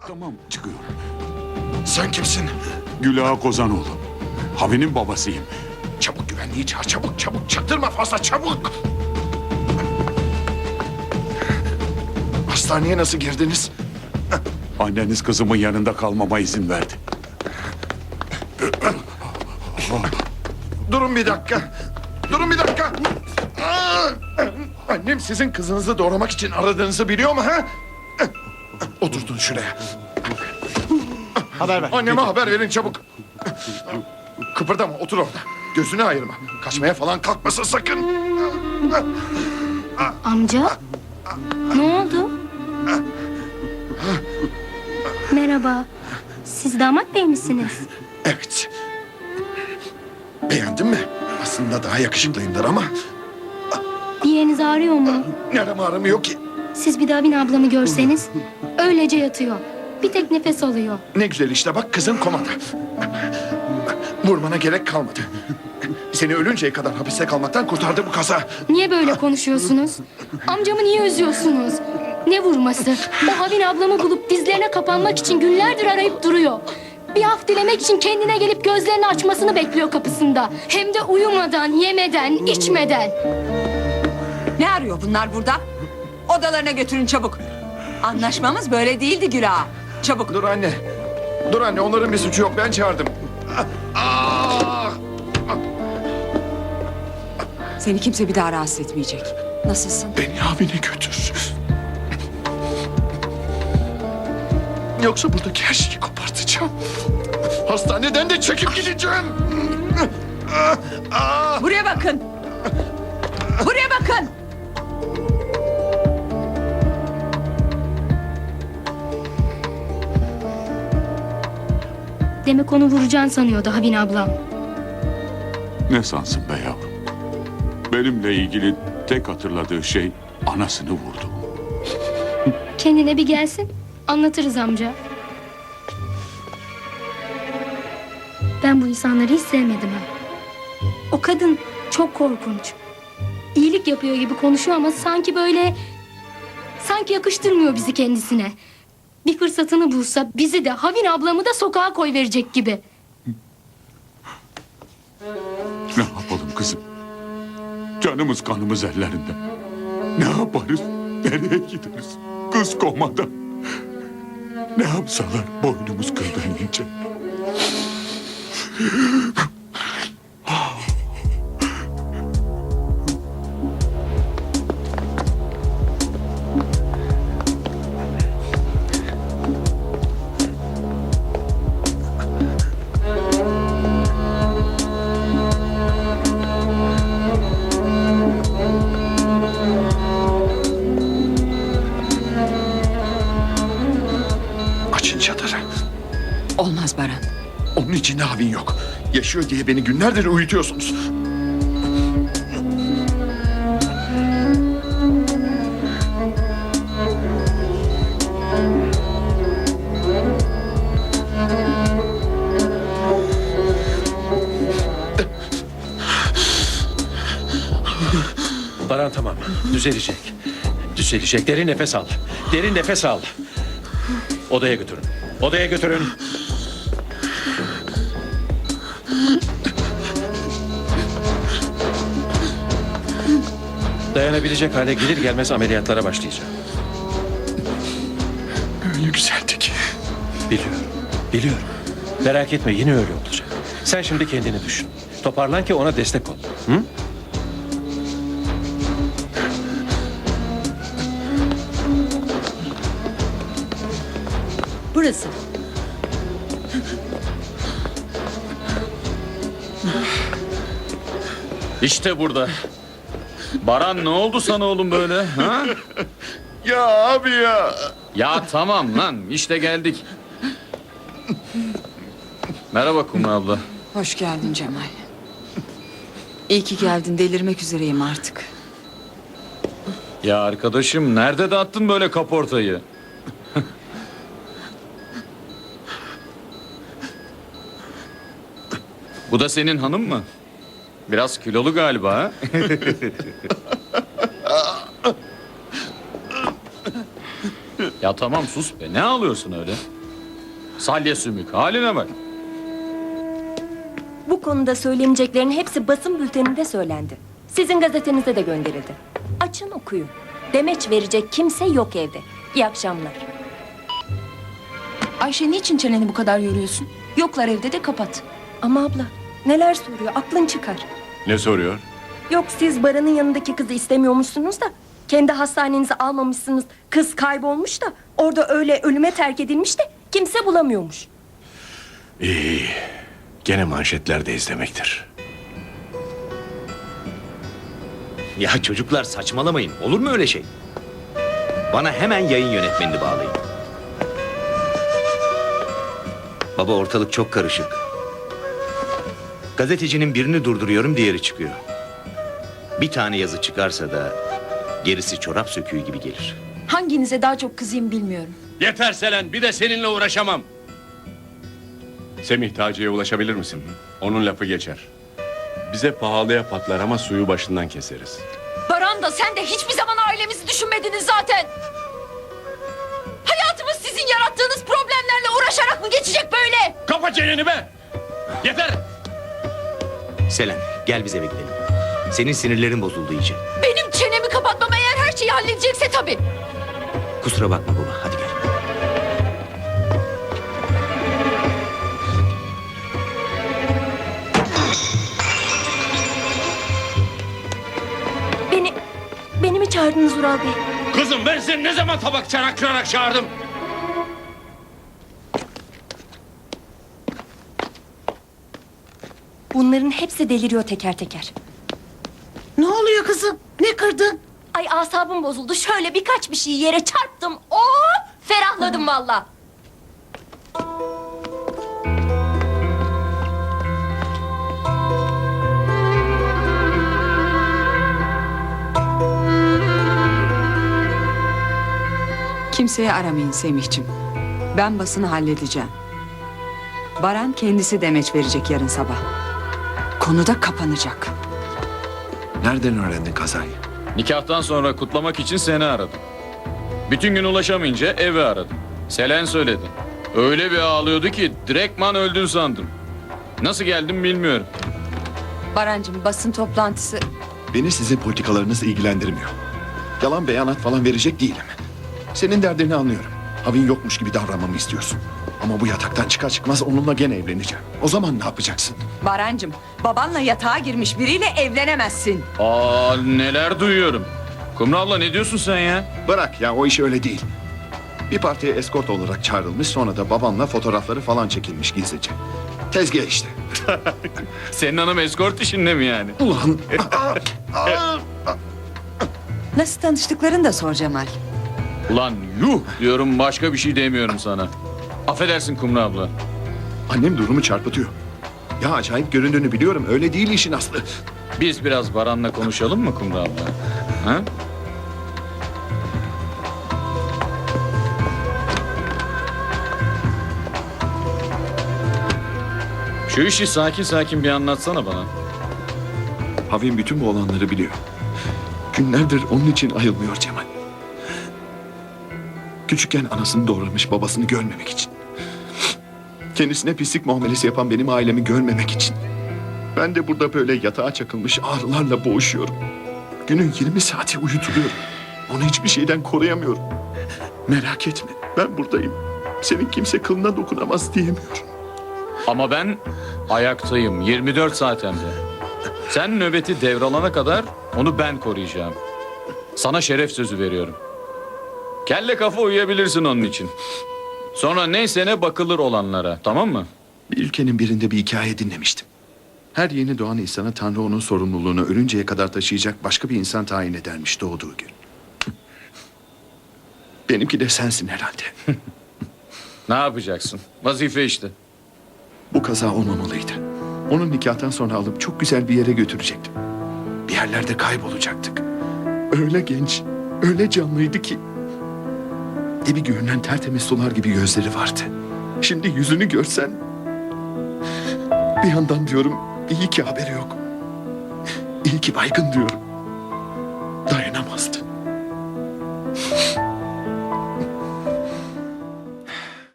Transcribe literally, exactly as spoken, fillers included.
Tamam, çıkıyorum. Sen kimsin? Gülağa Kozanoğlu. Havi'nin babasıyım. Çabuk güvenliği çağır, çabuk çabuk. Çaktırma fazla, çabuk. Hastaneye nasıl girdiniz? Anneniz kızımın yanında kalmama izin verdi. Durun bir dakika. Durun bir dakika. Aa! Annem sizin kızınızı doğramak için aradığınızı biliyor mu ha? Oturtun şuraya. Haber ver. Anneme haber verin çabuk. Kıpırdama, otur orada. Gözünü ayırma. Kaçmaya falan kalkmasın sakın. Amca? Ne oldu? Merhaba. Siz damat bey misiniz? Evet. Beğendin mi? Aslında daha yakışıklıyımdır ama Bir yeriniz ağrıyor mu? nerem ağrımıyor ki. Siz bir daha Bin ablamı görseniz öylece yatıyor. Bir tek nefes alıyor. Ne güzel işte bak kızın komada. Vurmana gerek kalmadı. Seni ölünceye kadar hapiste kalmaktan kurtardı bu kaza. Niye böyle konuşuyorsunuz? Amcamı niye üzüyorsunuz? Ne vurması? O Havin ablamı bulup dizlerine kapanmak için günlerdir arayıp duruyor. Bir af dilemek için kendine gelip gözlerini açmasını bekliyor kapısında. Hem de uyumadan, yemeden, içmeden. Ne arıyor bunlar burada? Odalarına götürün çabuk. Anlaşmamız böyle değildi Güla. Çabuk. Dur anne. Dur anne onların bir suçu yok ben çağırdım. Ah! Seni kimse bir daha rahatsız etmeyecek. Nasılsın? Beni abine götür. Yoksa buradaki her şeyi kopartacağım. Hastaneden de çekip gideceğim. Ah! Ah! Buraya bakın. Buraya bakın. Demek onu vuracaksın sanıyordu Havin ablam. Ne sansın be yavrum? Benimle ilgili tek hatırladığı şey anasını vurdu. Kendine bir gelsin, anlatırız amca. Ben bu insanları hiç sevmedim ha. O kadın çok korkunç. İyilik yapıyor gibi konuşuyor ama sanki böyle... Sanki yakıştırmıyor bizi kendisine. Bir fırsatını bulsa bizi de Havin ablamı da sokağa koyverecek gibi. Ne yapalım kızım? Canımız kanımız ellerinde. Ne yaparız? Nereye gideriz? Kız komada. Ne yapsalar boynumuz kıldan ince. Açın çadırı. Olmaz Baran. Onun içinde havin yok. Yaşıyor diye beni günlerdir uyutuyorsunuz. Baran tamam. Düzelecek. Düzelecek. Derin nefes al. Derin nefes al. Odaya götürün. Odaya götürün. Dayanabilecek hale gelir gelmez ameliyatlara başlayacağım. Öyle güzeldi ki. Biliyorum. Biliyorum. Merak etme yine öyle olacak. Sen şimdi kendini düşün. Toparlan ki ona destek ol. Hı? Burası. İşte burada. Baran ne oldu sana oğlum böyle? Ha? Ya abi ya. Ya tamam lan işte geldik. Merhaba Kumru abla. Hoş geldin Cemal. İyi ki geldin. Delirmek üzereyim artık. Ya arkadaşım nerede dağıttın böyle kaportayı? Bu da senin hanım mı? Biraz kilolu galiba ha? Ya tamam sus be. Ne ağlıyorsun öyle? Salya sümük. Haline bak. Bu konuda söyleneceklerin hepsi basın bülteninde söylendi. Sizin gazetenize de gönderildi. Açın okuyun. Demeç verecek kimse yok evde. İyi akşamlar. Ayşe niçin çeneni bu kadar yoruyorsun? Yoklar evde de kapat. Ama abla neler soruyor aklın çıkar. Ne soruyor? Yok siz Baran'ın yanındaki kızı istemiyormuşsunuz da... ...kendi hastanenize almamışsınız. Kız kaybolmuş da orada öyle ölüme terk edilmiş de kimse bulamıyormuş. İyi, iyi. Gene manşetlerde izlemektir. Ya çocuklar saçmalamayın. Olur mu öyle şey? Bana hemen yayın yönetmenini bağlayın. Baba ortalık çok karışık. Gazetecinin birini durduruyorum, diğeri çıkıyor. Bir tane yazı çıkarsa da gerisi çorap söküğü gibi gelir. Hanginize daha çok kızayım bilmiyorum. Yeter Selen, bir de seninle uğraşamam. Semih Taci'ye ulaşabilir misin? Onun lafı geçer. Bize pahalıya patlar ama suyu başından keseriz. Baran da sen de hiçbir zaman ailemizi düşünmediniz zaten. Hayatımız sizin yarattığınız problemlerle uğraşarak mı geçecek böyle? Kapa çeneni be! Yeter! Selen gel bize gidelim. Senin sinirlerin bozuldu iyice. Benim çenemi kapatmam eğer her şeyi halledecekse tabii. Kusura bakma baba, hadi gel. Beni... Beni mi çağırdınız Ural Bey? Kızım ben seni ne zaman tabak çanak kırarak çağırdım? Bunların hepsi deliriyor teker teker. Ne oluyor kızım? Ne kırdın? Ay asabım bozuldu. Şöyle birkaç bir şey yere çarptım. Oo, ferahladım valla. Kimseyi aramayın Semihciğim. Ben basını halledeceğim. Baran kendisi demeç verecek yarın sabah. Konu da kapanacak. Nereden öğrendin kazayı? Nikahtan sonra kutlamak için seni aradım. Bütün gün ulaşamayınca evi aradım. Selen söyledi. Öyle bir ağlıyordu ki direktman öldün sandım. Nasıl geldim bilmiyorum. Barancığım basın toplantısı... Beni sizin politikalarınız ilgilendirmiyor. Yalan beyanat falan verecek değilim. Senin derdini anlıyorum. Havin yokmuş gibi davranmamı istiyorsun. Ama bu yataktan çıkar çıkmaz onunla gene evleneceğim. O zaman ne yapacaksın? Barancığım, babanla yatağa girmiş biriyle evlenemezsin. Aa neler duyuyorum. Kumru abla ne diyorsun sen ya? Bırak ya, o iş öyle değil. Bir partiye eskort olarak çağrılmış, sonra da babamla fotoğrafları falan çekilmiş gizlice. Tezgah işte. Senin hanım eskort işinde mi yani? Ulan. Nasıl tanıştıklarını da sor Cemal. Ulan yuh diyorum, başka bir şey demiyorum sana. Affedersin Kumru abla. Annem durumu çarpıtıyor. Ya acayip göründüğünü biliyorum. Öyle değil işin aslı. Biz biraz Baran'la konuşalım mı Kumru abla? Ha? Şu işi sakin sakin bir anlatsana bana. Havin bütün bu olanları biliyor. Günlerdir onun için ayılmıyor Cemal. Küçükken anasını doğramış, babasını görmemek için. Kendisine pislik muamelesi yapan benim ailemi görmemek için. Ben de burada böyle yatağa çakılmış ağrılarla boğuşuyorum. Günün yirmi saati uyutuluyorum. Onu hiçbir şeyden koruyamıyorum. Merak etme, ben buradayım. Senin kimse kılına dokunamaz diyemiyorum. Ama ben ayaktayım yirmi dört saat hem de. Sen nöbeti devralana kadar onu ben koruyacağım. Sana şeref sözü veriyorum. Kelle kafa uyuyabilirsin onun için. Sonra neyse ne bakılır olanlara, tamam mı? Bir ülkenin birinde bir hikaye dinlemiştim. Her yeni doğan insana Tanrı onun sorumluluğunu ölünceye kadar taşıyacak başka bir insan tayin edermiş doğduğu gün. Benimki de sensin herhalde. Ne yapacaksın? Vazife işte. Bu kaza olmamalıydı. Onun nikahtan sonra alıp çok güzel bir yere götürecektim. Bir yerlerde kaybolacaktık. Öyle genç, öyle canlıydı ki. Dibi görünen tertemiz sular gibi gözleri vardı. Şimdi yüzünü görsen... Bir yandan diyorum, iyi ki haberi yok. İyi ki baygın diyorum. Dayanamazdı.